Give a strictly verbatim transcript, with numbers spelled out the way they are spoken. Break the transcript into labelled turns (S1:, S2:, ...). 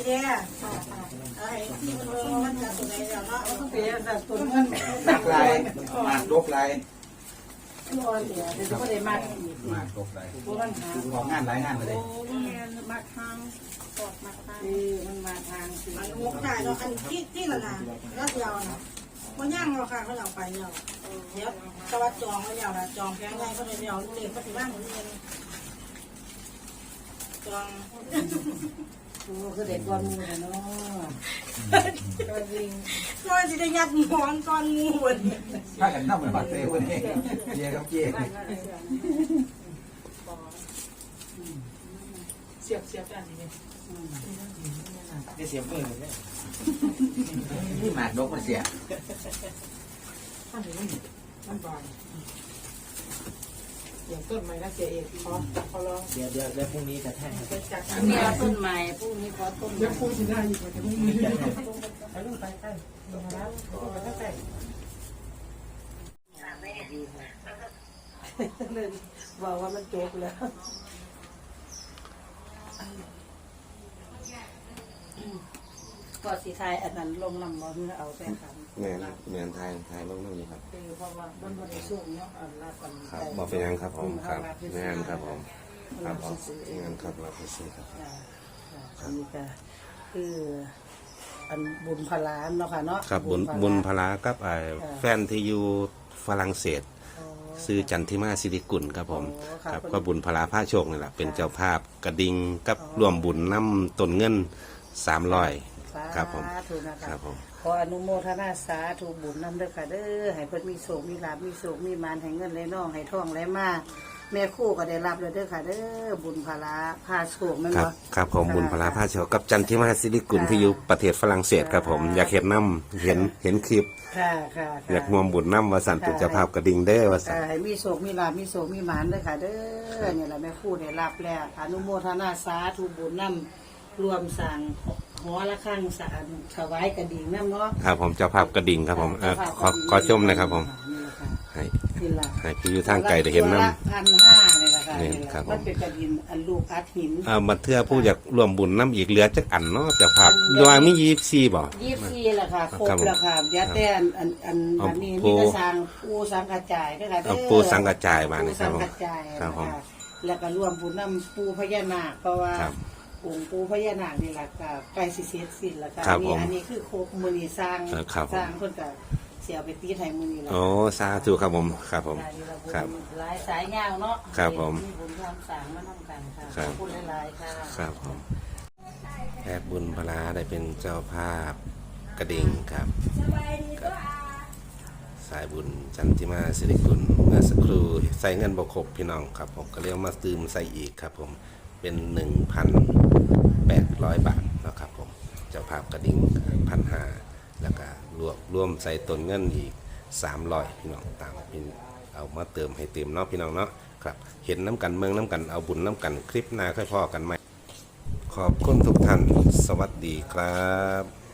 S1: จ๊ไอ้ที่มันมันจะตัวไหนแล้วเนาะต้องเปลี่ยนแบบตัวมัน
S2: นักลายมากลบลาย
S1: ตัวเดียวเดี๋ยวก็ได้มากอีก
S2: มากลบลาย
S1: ตัวมันหา
S2: คือของงานหลายงานเลย
S1: โอ้แม่มาทางกดมาทางนี่มันมาทางสิมันงกได้เนาะอันที่ที่ละนะแล้วเดียวนะมันย่างเราค่ะเขาเอาไปเนาะเดี๋ยวตะวันจองเขาเดียวนะจองแพงไงเขาเดียวลูกเล็กเขาถือว่าเหมือนเงินจองโอ้คือเด็กก้อนงูเนาะก็จริงก็จะได้ยัดหมอนก้อนงูเลย
S2: ถ้ากันน้ำเหมือนบัตรเต้วันนี้เจี๊ยครับเจี๊ย
S3: เสียบเสียบกันนี่เนี่ย
S2: ได้เสียมือเลยนี่หมากลบมาเสีย
S3: ข้างนี้มันบานอย่างต้นไม้นะเสียเอกขอขอลอง
S4: เดี๋ยวเดี๋ยวเดี๋ยวพรุ่งนี้จะแท่ง
S3: ไปจัด
S1: มีเอาต้นใหม่พวกนี้ขอต้น
S3: เดี๋ยวพูดสิได้อีกว่าจะไม่มีไปลงไปใกล้ลงมาแล้วลงไปใกล้เลยบอกว่ามันจบแล้ว
S1: ก็สีไทยอันนั้นลงน้ำมันเอาไปทำ
S4: แม่นะแม่นไทยไทยลงน้ำนี้ครับ
S1: คือเพราะว่ามันบริสุทธิ์เนาะอันละกัน
S4: ครับบอกเป็นยังครับผมครับแม่นครับผมครับผมงานครับเราไปซื้อครับ
S1: อันนี้ก็คืออันบุญพลานเนาะค่ะเนาะ
S4: ครับบุญบุญพลากับไอ้แฟนที่อยู่ฝรั่งเศสซื้อจันทิมาสิริกุลครับผมครับก็บุญพลาผ้าโชคนี่แหละเป็นเจ้าภาพกระดิ่งกับร่วมบุญน้ำต้นเงินสามร้อยครับผมครับผม
S1: ขออนุโมทนาสาธุบุญนำเด้อค่ะเด้อให้เพิ่นมีโศกมีลาภมีโศกมีมานให้เงินไหลน้องให้ทองไหลมาแม่คู่ก็ได้รับเลยเด้อค่ะเด้อบุญพลาผ้าโชคแม่น
S4: ครับ
S1: บ่
S4: ครับผมบุญพลาผ้าโชคกับจันทิมาสิริกุลที่อยู่ประเทศฝรั่งเศสครับผมอยากเห็นน้ำเห็นเห็นคลิป
S1: ค่ะค่ะ
S4: อยากรวมบุญน้ำวาสันเป็นเจ้าภาพกระดิ่งเด้อวาสัน
S1: ให้มีโศกมีลาภมีโศกมีหมานเด้อค่ะเด้อเนี่ยแหละแม่คู่ได้รับแล้วอนุโมทนาสาธุบุญนำรวมสั่งหอละข้างสารถวายกระดิ่งน้ำเนาะ
S4: ครับผมเจ้าภาพกระดิ่งครับผมเอ่อขอขอชมหนะครับผม
S1: นี่แหละค่ะ
S4: ให้
S1: นี่ล่ะ
S4: ให้พี่อยู่ทางไกลได้เห็นน้
S1: ตัวละพันห้าเนี่ยแหละค่ะ
S4: นี่
S1: นี่แหละ
S4: ครับผม
S1: มันเป็นกระดิ่งอันลูกอัดหิน
S4: ำอ่ามาเทื่อผู้อยากรวมบุญน้ำอีกเหลือจักอันเนาะเจ้าภาพยอยมียี่สิบสี่บ่
S1: ยี่สิบสี่แหละค่ะครบ
S4: ครับผม
S1: แล้วค่ะเดี๋ยวแต่อันอันอัน
S4: เอา
S1: อันนี้
S4: ปู
S1: มีกระสังปูสังกระจายด้วยค่ะเด้
S4: เอา
S1: อ
S4: ปูสังกระจายมานี่
S1: ปู
S4: ครั
S1: สั
S4: บ
S1: ง
S4: ผม
S1: กระจาย
S4: ครับผม
S1: นะคะแล้วก็รวมบุญน้ำปูพญานาคเพราะว่า
S4: ครับ
S1: องค์ปูพญานาคนี่แหละก็ใกล้สิเสร็จสิ้นแล้วค่ะ
S4: ครับ
S1: นี่
S4: ผม
S1: อันนี้คือโคกมือนีสร้าง
S4: เออครับผม
S1: สร้างเพิ่นก็เสียไปตีไทยมือนีแล้ว
S4: โอ้สาธุครับผมครับผม ครับ
S1: หลายสายยาวเนาะ
S4: ครับผม
S1: บุญความสร้างมาทำกันค่ะ
S4: ครับ
S1: ขอบคุณหลายๆค่ะ
S4: ครับผมแพทย์บุญพลาได้เป็นเจ้าภาพกระดิ่งครับครับสายบุญจันทิมาสิริกุลเมื่อสักครู่ใส่เงินบกครบพี่น้องครับผมก็เรียกมาตืมใส่อีกครับผมเป็นหนึ่งพันแปดร้อยบาทนะครับผมเจ้าภาพกระดิ่งพันห้าแล้วก็รวมร่วมใส่ต้นเงินอีกสามร้อยพี่น้องตามพี่เอามาเติมให้เต็มเนาะพี่น้องเนาะครับเห็นน้ำกันเมืองน้ำกันเอาบุญน้ำกันคลิปหน้าค่อยพอกันไหมขอบคุณทุกท่านสวัสดีครับ